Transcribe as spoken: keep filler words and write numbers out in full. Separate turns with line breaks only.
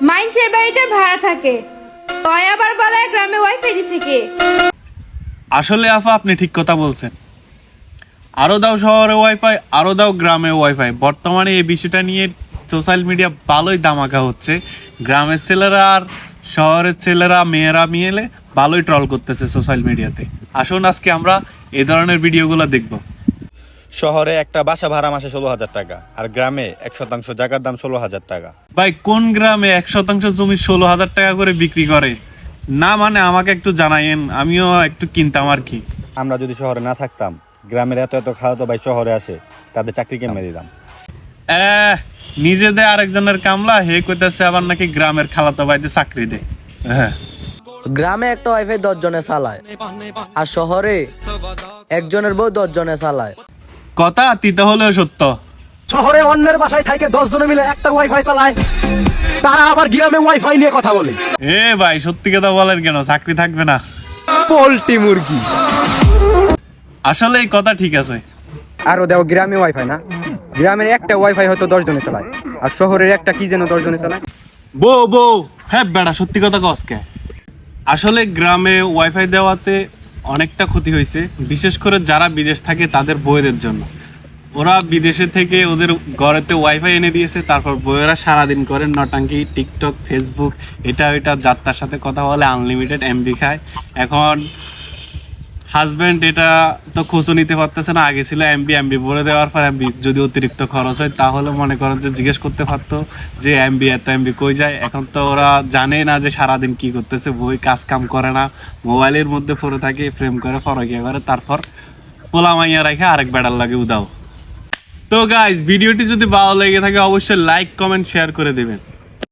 মাইনসের বাড়িতে ভাড়া থাকে, তয় আবার বলে গ্রামে ওয়াইফাই দিছে কে?
আসলে আফা আপনি ঠিক কথা বলছেন। আরো দাও শহরে ওয়াইফাই, আরো দাও গ্রামে ওয়াইফাই। বর্তমানে এই বিষয়টা নিয়ে সোশ্যাল মিডিয়া ভালোই দামাকা হচ্ছে। গ্রামের ছেলেরা আর শহরের ছেলেরা মেয়েরা মিলে ভালোই ট্রল করতেছে সোশ্যাল মিডিয়াতে। আসুন আজকে আমরা এই ধরনের ভিডিওগুলো দেখব।
শহরে একটা বাসা ভাড়া মাসে ষোলো হাজার টাকা, আর গ্রামে এক শতাংশ জায়গার দাম ষোলো হাজার টাকা।
ভাই কোন গ্রামে এক শতাংশ জমি ষোলো হাজার টাকা করে বিক্রি করে? না মানে আমাকে একটু জানাইন, আমিও একটু কিনতাম আর কি।
আমরা যদি শহরে না থাকতাম, গ্রামের এত এত খালাতো ভাই শহরে আসে, তাদের চাকরি কেমনে দিতাম।
এহ, নিজেদের আরেকজনের কামলা, হে কইতাছে আবার নাকি গ্রামের খালাতো ভাইতে চাকরি দে। হ্যাঁ,
গ্রামে একটা ওয়াইফাই দশ জনে চালায়, আর শহরে একজনের বউ দশ জনে চালায়।
কথা তিতা হলেও সত্য।
শহরে অন্যের বাসায় থাকে দশ জনে মিলে একটা ওয়াইফাই চালায়, তারা আবার গ্রামে ওয়াইফাই নিয়ে কথা বলে।
এ ভাই সত্যি কথা বলেন কেন, চাকরি থাকবে না?
পোল্ট্রি মুরগি।
আসলে এই কথা ঠিক আছে।
আরো দেও গ্রামে ওয়াইফাই না, গ্রামের একটা ওয়াইফাই হয়তো দশ জনে চালায়, আর শহরের একটা কি যেন দশ জনে চালায়।
বউ বউ হ্যাঁ বেড়া, সত্যি কথা কসকে। আসলে গ্রামে ওয়াইফাই দেওয়াতে অনেকটা ক্ষতি হয়েছে, বিশেষ করে যারা বিদেশ থাকে তাদের বউদের জন্য। ওরা বিদেশে থেকে ওদের ঘরেতে ওয়াইফাই এনে দিয়েছে, তারপর বউয়েরা সারাদিন করেন নটাঙ্কি, টিকটক, ফেসবুক, এটা ওইটা, যাত্রার সাথে কথা বলে, আনলিমিটেড এমবি খায়। এখন হাজব্যান্ড এটা তো খোঁজও নিতে পারতেছে না। আগে ছিল এমবি, এমবি ভরে দেওয়ার পর এমবি যদি অতিরিক্ত খরচ হয় তাহলে মনে করেন যে জিজ্ঞেস করতে পারতো যে এমবি এত এমবি কই যায়। এখন তো ওরা জানে না যে সারাদিন কি করতেছে, বই কাজ কাম করে না, মোবাইলের মধ্যে পড়ে থাকে, প্রেম করে, ফরকিয়া করে, তারপর পোলা মাইয়া রেখে আরেক বেড়ার লাগে উদাও। তো গাইজ, ভিডিওটি যদি ভালো লেগে থাকে অবশ্যই লাইক, কমেন্ট, শেয়ার করে দেবেন।